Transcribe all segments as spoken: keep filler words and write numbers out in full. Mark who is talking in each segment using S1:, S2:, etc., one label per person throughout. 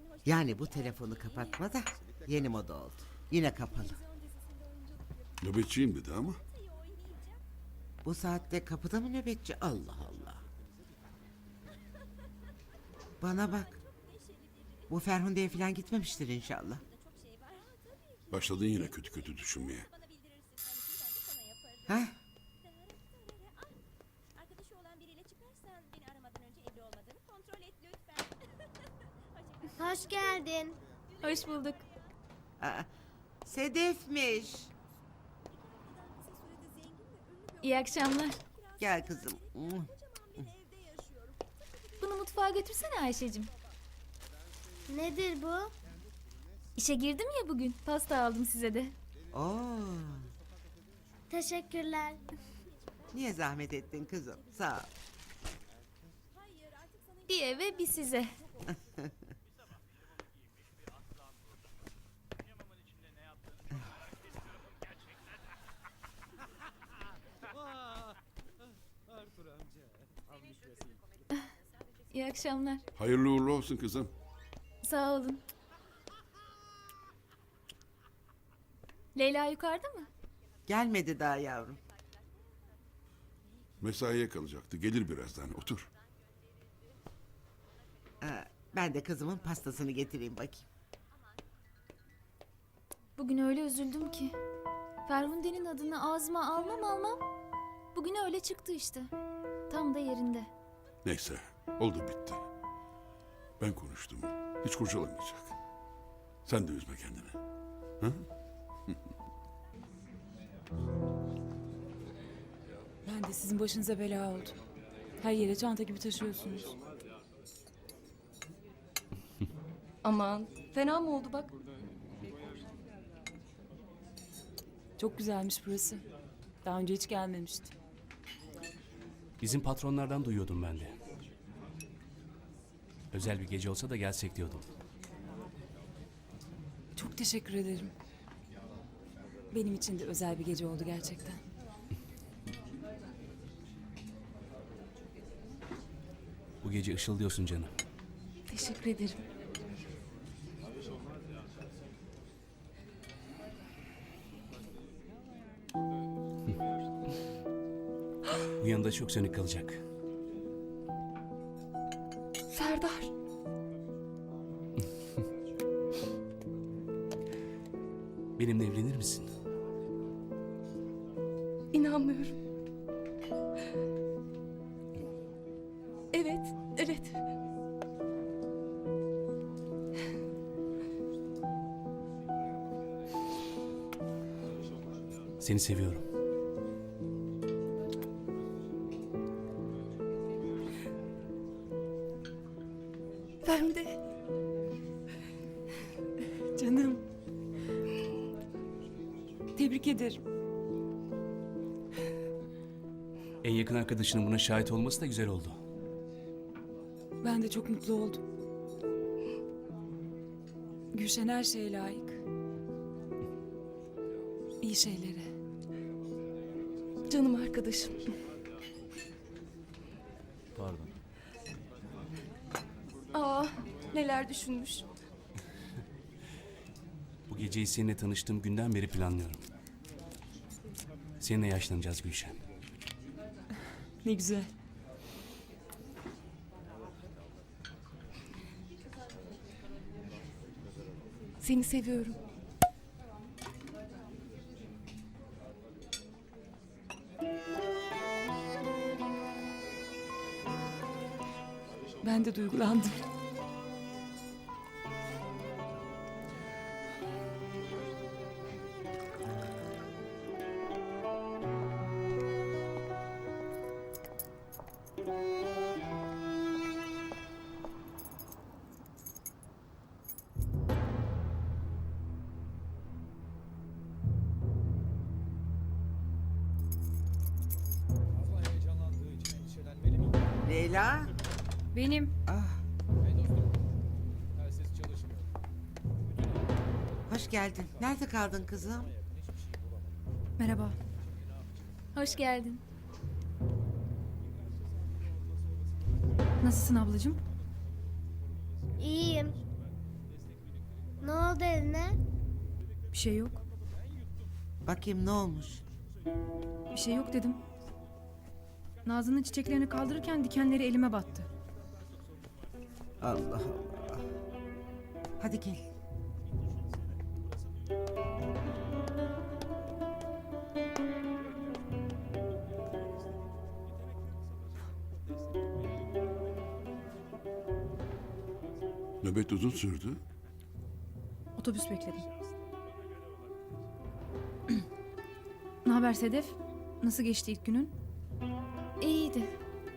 S1: Yani bu telefonu kapatma da yeni moda oldu. Yine kapalı.
S2: Nöbetçiyim dedi ama.
S1: Bu saatte kapıda mı nöbetçi? Allah Allah. Bana bak. Bu Ferhunde'ye falan gitmemiştir inşallah.
S2: Başladın yine kötü kötü düşünmeye.
S1: Ha?
S3: Arkadaşı olan biriyle çıkarsan beni aramadan önce evli olmadığını kontrol et lütfen.
S4: Hoş geldin.
S5: Hoş bulduk.
S1: Aa, Sedef'miş.
S5: İyi akşamlar.
S1: Gel kızım.
S5: Bunu mutfağa götürsene Ayşe'cim.
S4: Nedir bu?
S5: İşe girdim ya bugün. Pasta aldım size de.
S1: Oo,
S4: Teşekkürler.
S1: niye zahmet ettin kızım? Sağ ol.
S5: Bir eve bir size. İyi akşamlar.
S2: Hayırlı uğurlu olsun kızım.
S5: Sağ olun. Leyla yukarıda mı?
S1: Gelmedi daha yavrum.
S2: Mesaiye kalacaktı. Gelir birazdan. Otur.
S1: Aa, ben de kızımın pastasını getireyim bakayım.
S5: Bugün öyle üzüldüm ki. Ferhunde'nin adını ağzıma almam almam. Bugün öyle çıktı işte. Tam da yerinde.
S2: Neyse. Oldu bitti. Ben konuştum. Hiç kurcalamayacak. Sen de üzme kendini. Ha?
S6: Ben de sizin başınıza bela oldum. Her yere çanta gibi taşıyorsunuz.
S7: Aman fena mı oldu bak?
S6: Çok güzelmiş burası. Daha önce hiç gelmemiştim.
S8: Bizim patronlardan duyuyordum ben de. Özel bir gece olsa da gelsek diyordum.
S6: Çok teşekkür ederim. Benim için de özel bir gece oldu gerçekten.
S8: Bu gece ışıldıyorsun canım.
S7: Teşekkür ederim.
S8: Bu yanında çok sönük kalacak.
S7: Serdar.
S8: Benimle evlenir misin?
S7: İnanmıyorum. Evet, evet.
S8: Seni seviyorum.
S7: Ferhunde.
S6: Canım. Tebrik ederim.
S8: En yakın arkadaşının buna şahit olması da güzel oldu.
S6: Ben de çok mutlu oldum. Gülşen her şeye layık. İyi şeylere.
S7: Canım arkadaşım.
S8: Pardon.
S7: Aa, neler düşünmüş.
S8: Bu geceyi seninle tanıştığım günden beri planlıyorum. Seninle yaşlanacağız Gülşen.
S6: Ne güzel.
S7: Seni seviyorum.
S6: Ben de duygulandım.
S1: Leyla.
S5: Benim.
S1: Ah. Hoş geldin. Nerede kaldın kızım?
S5: Merhaba. Hoş geldin.
S9: Nasılsın ablacığım?
S4: İyiyim. Ne oldu eline?
S7: Bir şey yok.
S1: Bakayım ne olmuş?
S7: Bir şey yok dedim. Nazlı'nın çiçeklerini kaldırırken dikenleri elime battı.
S1: Allah Allah. Hadi gel.
S2: Nöbet uzun sürdü.
S7: Otobüs bekledim. Ne haber Sedef? Nasıl geçti ilk günün?
S5: İyiydi.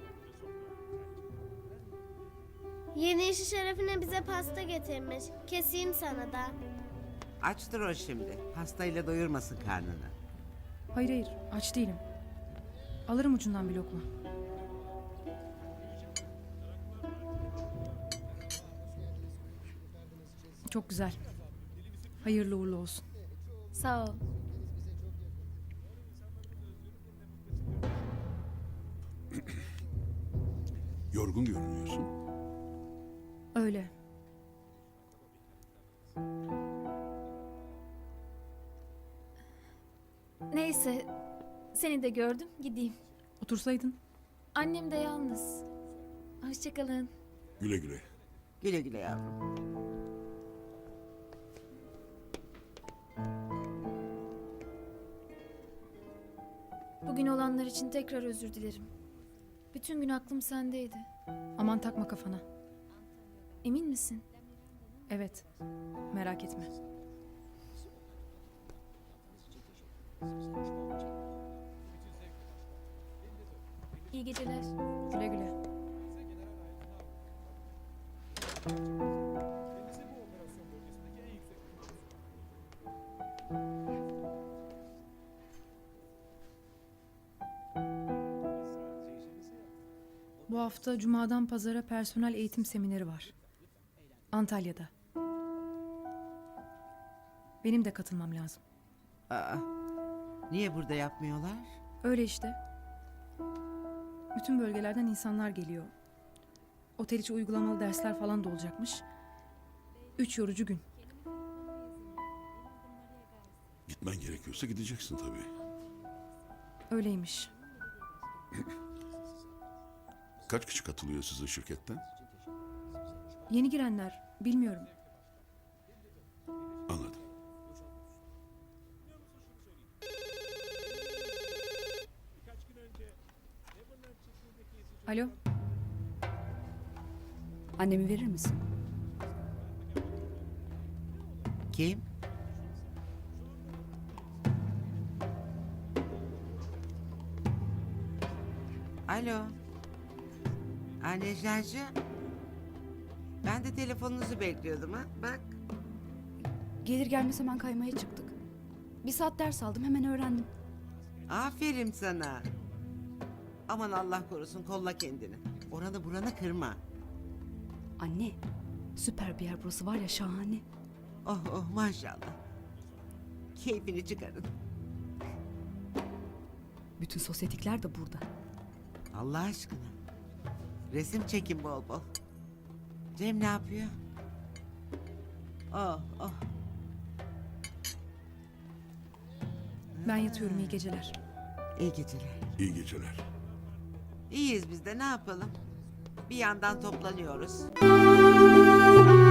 S4: Yeni işi şerefine bize pasta getirmiş. Keseyim sana da.
S1: Açtır o şimdi. Pastayla doyurmasın karnını.
S7: Hayır hayır, aç değilim. Alırım ucundan bir lokma. Çok güzel. Hayırlı uğurlu olsun.
S5: Sağ ol.
S2: Yorgun görünüyorsun.
S7: Öyle.
S5: Neyse. Seni de gördüm. Gideyim.
S7: Otursaydın.
S5: Annem de yalnız. Hoşçakalın.
S2: Güle güle.
S1: Güle güle yavrum.
S5: Bugün olanlar için tekrar özür dilerim. Bütün gün aklım sendeydi.
S7: Aman takma kafana.
S5: Emin misin?
S7: Evet. Merak etme.
S5: İyi geceler.
S7: Güle güle. Bu hafta Cuma'dan Pazara personel eğitim semineri var. Antalya'da. Benim de katılmam lazım.
S1: Aa, niye burada yapmıyorlar?
S7: Öyle işte. Bütün bölgelerden insanlar geliyor. Otel içi uygulamalı dersler falan da olacakmış. Üç yorucu gün.
S2: Gitmen gerekiyorsa gideceksin tabii.
S7: Öyleymiş.
S2: Kaç kişi katılıyor sizin şirketten?
S7: Yeni girenler, bilmiyorum.
S2: Anladım.
S7: Alo,
S6: Annemi verir misin?
S1: Kim? Alo. Aa, Neclacığım. Ben de telefonunuzu bekliyordum ha. Bak.
S9: Gelir gelmez hemen kaymaya çıktık. Bir saat ders aldım, hemen öğrendim.
S1: Aferin sana. Aman Allah korusun, kolla kendini. Oranı buranı kırma.
S9: Anne, süper bir yer burası, var ya, şahane.
S1: Oh oh maşallah. Keyfini çıkarın.
S9: Bütün sosyetikler de burada.
S1: Allah aşkına. Resim çekin bol bol. Cem ne yapıyor? Oh oh.
S7: ben yatıyorum, iyi geceler.
S1: İyi geceler.
S2: İyi geceler.
S1: İyiyiz biz de, ne yapalım? Bir yandan toplanıyoruz.